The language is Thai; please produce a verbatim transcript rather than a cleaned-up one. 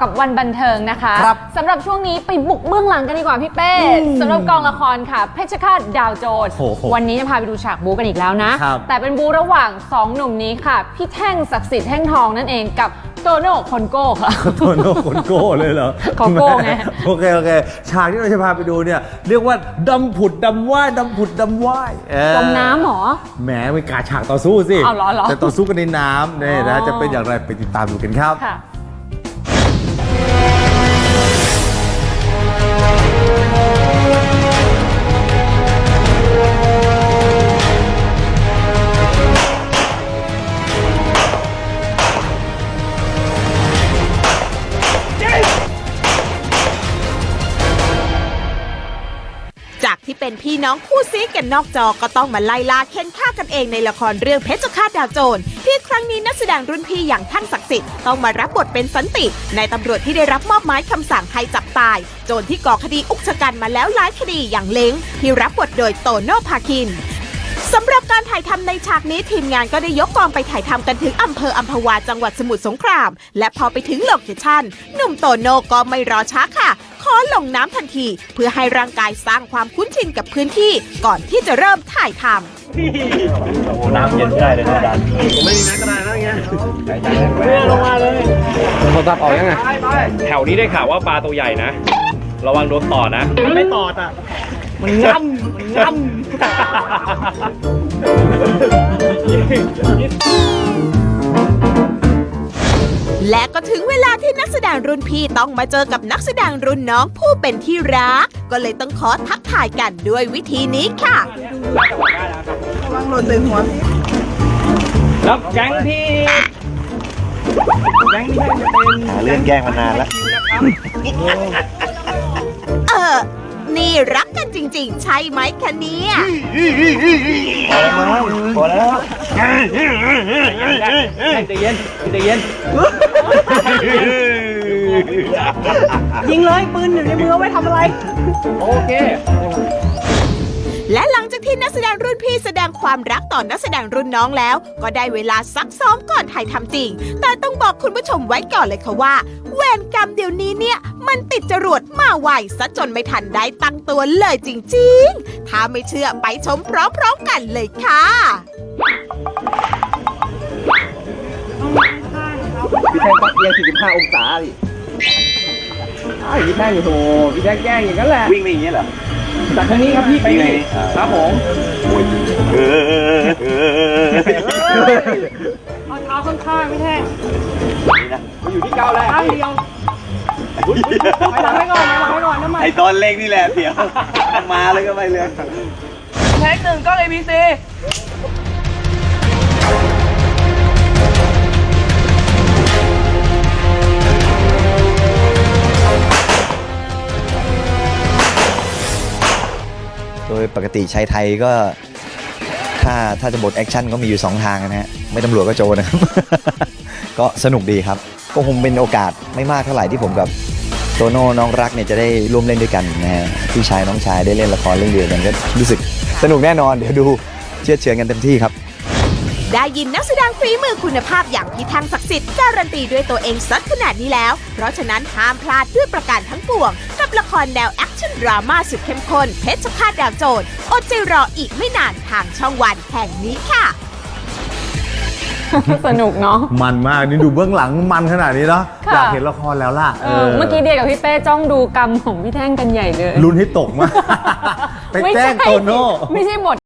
กับวันบันเทิงนะคะสำหรับช่วงนี้ไปบุกเบื้องหลังกันดีกว่าพี่เป้สำหรับกองละครค่ะเพชรฆาตดาวโจรวันนี้จะพาไปดูฉากบู๊กันอีกแล้วนะแต่เป็นบู๊ระหว่างสองหนุ่มนี้ค่ะพี่แท่งศักดิ์สิทธิ์แท่งทองนั่นเองกับโตโน่คนโก้ค่ะโตโน่คนโก้เลยเหรอขอโก้ไงโอเคโอเคฉากที่เราจะพาไปดูเนี่ยเรียกว่าดำผุดดำว่ายดำผุดดำว่ายจมน้ำหรอแหมเป็นการฉากต่อสู้สิเอาเหรอเหรอแต่ต่อสู้กันในน้ำเนี่ยนะจะเป็นอย่างไรไปติดตามดูกันครับจากที่เป็นพี่น้องคู่ซีกันนอกจอก็ต้องมาไล่ล่าเค้นฆ่ากันเองในละครเรื่องเพชรฆาตดาวโจรที่ครั้งนี้นักแสดงรุ่นพี่อย่างท่านศักดิ์สิทธิ์ต้องมารับบทเป็นสันติในตำรวจที่ได้รับมอบหมายคำสั่งให้จับตายโจรที่ก่อคดีอุกชะกันมาแล้วหลายคดีอย่างเล้งที่รับบทโดยโตโน่ภาคินสำหรับการถ่ายทำในฉากนี้ทีมงานก็ได้ยกกองไปถ่ายทำกันถึงอำเภออัมพวาจังหวัดสมุทรสงครามและพอไปถึงโลเคชั่นหนุ่มโตโน่ก็ไม่รอช้าค่ะขอลงน้ำทันทีเพื่อให้ร่างกายสร้างความคุ้นชินกับพื้นที่ก่อนที่จะเริ่มถ่ายทำโอ้น้ำเย็นได้เลยนะอาจารย์ผมไม่มีน้ำก็ได้นะเงี้ยลงมาเลยโทรศัพท์ออกยังไงแถวนี้ได้ข่าวว่าปลาตัวใหญ่นะระวังโดนต่อนะมันไม่ต่ออ่ะมันง่ำมันง่ำและก็ถึงเวลาที่นักแสดงรุ่นพี่ต้องมาเจอกับนักแสดงรุ่นน้องผู้เป็นที่รักก็เลยต้องขอทักทายกันด้วยวิธีนี้ค่ะระวังหล่นใส่หัวพี่แล้วแก๊งพี่แก๊งพี่จะเป็นหาเรื่องแกล้งมานานแล้วเออนี่รักกันจริงๆใช่ไหมคะเนี่ยพอแล้วใจเย็นใจเย็นยิงเลยปืนอยู่ในมือไว้ทำอะไรโอเคและหลังจากที่นักแสดงรุ่นพี่แสดงความรักต่อนักแสดงรุ่นน้องแล้วก็ได้เวลาซักซ้อมก่อนถ่ายทำจริงแต่ต้องบอกคุณผู้ชมไว้ก่อนเลยค่ะว่าเวรกรรมเดี๋ยวนี้เนี่ยมันติดจรวดมาไวซะจนไม่ทันได้ตั้งตัวเลยจริงๆถ้าไม่เชื่อไปชมพร้อมๆกันเลยค่ะพี่แท่งก็เอียงสี่สิบห้าองศาดิอ้าวพี่แท่งอยู่โถพี่แท่งแกล้งอย่างนั้นแหละวิ่งไปอย่างนี้เหรอจากทางนี้ครับพี่ไปนี่ครับผมเอาเท้าข้างๆพี่แท่งนี่นะอยู่ที่เก้าแล้วข้างเดียวไปหลังไปก่อนไปหลังไปก่อนน้ำมันไอตอนเล็กนี่แหละเดี๋ยวมาเลยก็ไปเลยแท็กหนึ่งก็เอพีซีโดยปกติชายไทยก็ถ้าถ้าจะบทแอคชั่นก็มีอยู่สองทางนะฮะไม่ตำรวจก็โจรนะครับ ก็สนุกดีครับก็คงเป็นโอกาสไม่มากเท่าไหร่ที่ผมกับโตโน่น้องรักเนี่ยจะได้ร่วมเล่นด้วยกันนะฮะพี่ชายน้องชายได้เล่นละครเรื่องเดียวกันก็รู้สึกสนุกแน่นอนเดี๋ยวดูเชื่อเฉื่อยกันเต็มที่ครับได้ยินนักแสดงฝีมือคุณภาพอย่างพี่แท่งศักดิ์สิทธิ์การันตีด้วยตัวเองสักขนาดนี้แล้วเพราะฉะนั้นห้ามพลาดด้วยประการทั้งปวงกับละครแนวแอคชั่นดราม่าสุดเข้มข้นเพชรฆาตดาวโจรอดใจรออีกไม่นานทางช่องวันแห่งนี้ค่ะสนุกเนาะมันมากนี่ดูเบื้องหลังมันขนาดนี้เนาะอยากเห็นละครแล้วล่ะเมื่อกี้เดียกับพี่เป้จ้องดูกรรมของพี่แท่งกันใหญ่เลยลุ้นให้ตกมากไปแจ้งโตโน่ไม่ใช่บท